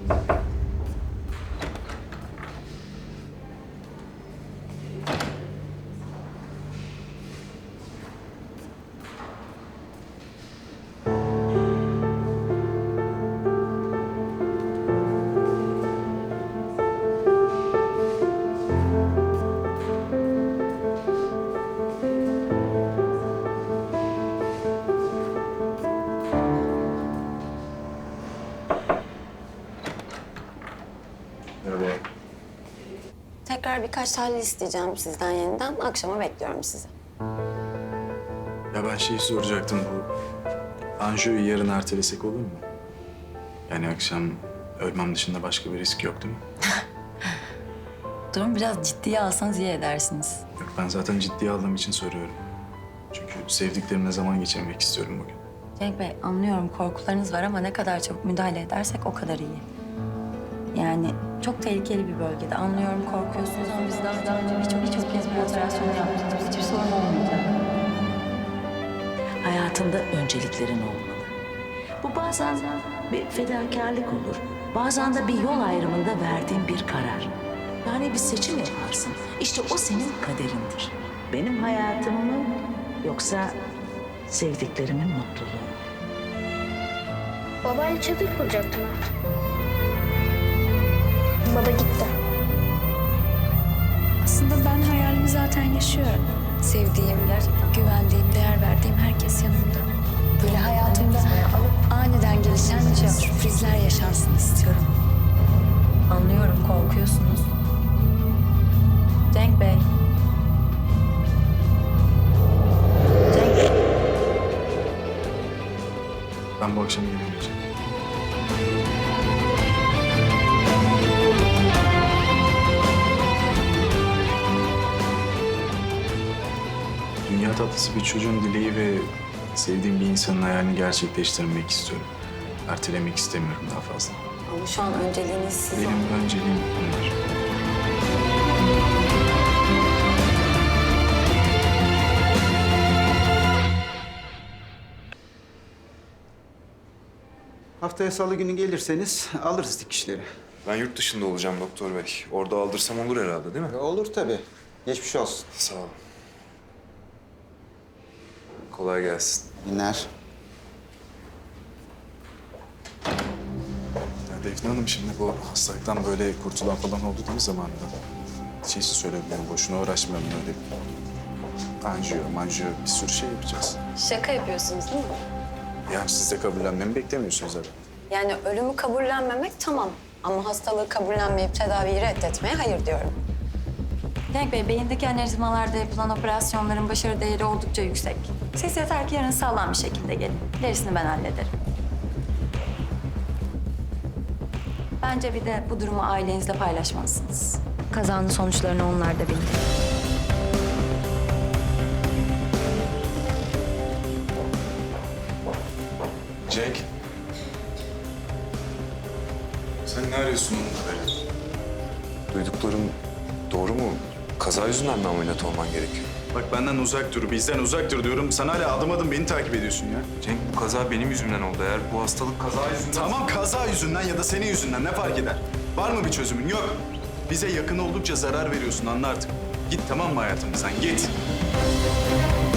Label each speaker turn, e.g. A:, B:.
A: Tekrar birkaç tahlil isteyeceğim sizden yeniden. Akşama bekliyorum sizi.
B: Ya ben şeyi soracaktım bu. Anjiyoyu yarın ertelesek olur mu? Yani akşam ölmem dışında başka bir risk yok değil mi?
C: Durum biraz ciddiye alsanız iyi edersiniz.
B: Yok ben zaten ciddiye aldığım için soruyorum. Çünkü sevdiklerimle zaman geçirmek istiyorum bugün.
C: Cenk Bey, anlıyorum korkularınız var ama ne kadar çabuk müdahale edersek o kadar iyi. Yani çok tehlikeli bir bölgede. Anlıyorum korkuyorsunuz ama biz daha önce birçok kez bir operasyon yaptık. Hiçbir sorun olmayacak.
D: Hayatında önceliklerin olmalı. Bu bazen bir fedakarlık olur. Bazen de bir yol ayrımında verdiğin bir karar. Yani bir seçim yaparsın. İşte o senin kaderindir. Benim hayatım mı yoksa sevdiklerimin mutluluğu mu?
E: Babayla çadır kuracaktım artık. Baba gitti.
F: Aslında ben hayalimi zaten yaşıyorum. Sevdiğim, güvendiğim, değer verdiğim herkes yanımda. Böyle hayatımda aniden gelişen sürprizler yaşansın istiyorum.
C: Anlıyorum korkuyorsunuz. Cenk Bey. Cenk Bey.
B: Ben bu akşam gelemeyeceğim. Dünya tatlısı bir çocuğun dileği ve sevdiğim bir insanın hayalini gerçekleştirmek istiyorum. Ertelemek istemiyorum daha fazla.
A: Ama şu an önceliğiniz siz.
B: Benim önceliğim bunlar.
G: Haftaya salı günü gelirseniz alırız dikişleri.
H: Ben yurt dışında olacağım doktor bey. Orada aldırsam olur herhalde değil mi?
G: Olur tabii. Geçmiş olsun.
H: Sağ olun. Kolay gelsin.
G: Günler.
B: Ya Defne Hanım şimdi bu hastalıktan böyle kurtulan falan oldu değil mi zamanında? Şeysi söyleyebilirim, boşuna uğraşmayalım öyle. Manjiyo bir sürü şey yapacağız.
A: Şaka yapıyorsunuz değil mi?
B: Yani siz de kabullenmemi beklemiyorsunuz herhalde.
A: Yani ölümü kabullenmemek tamam. Ama hastalığı kabullenmeyip tedaviyi reddetmeye hayır diyorum.
C: Cenk Bey, beyindeki anevrizmalarda yapılan operasyonların başarı değeri oldukça yüksek. Siz yeter ki yarın sağlam bir şekilde gelin. Gerisini ben hallederim. Bence bir de bu durumu ailenizle paylaşmalısınız. Kazanın sonuçlarını onlar da bildi.
B: Cenk. Sen ne arıyorsun onunla böyle?
H: Duyduklarım doğru mu? Kaza yüzünden mi ameliyat olman gerekiyor?
B: Bak benden uzak dur, bizden uzak dur diyorum. Sen hala adım adım beni takip ediyorsun ya.
H: Cenk bu kaza benim yüzümden oldu. Eğer bu hastalık kaza yüzünden...
B: Tamam kaza yüzünden ya da senin yüzünden ne fark eder? Var mı bir çözümün? Yok. Bize yakın oldukça zarar veriyorsun anla artık. Git tamam mı hayatımızdan? Git.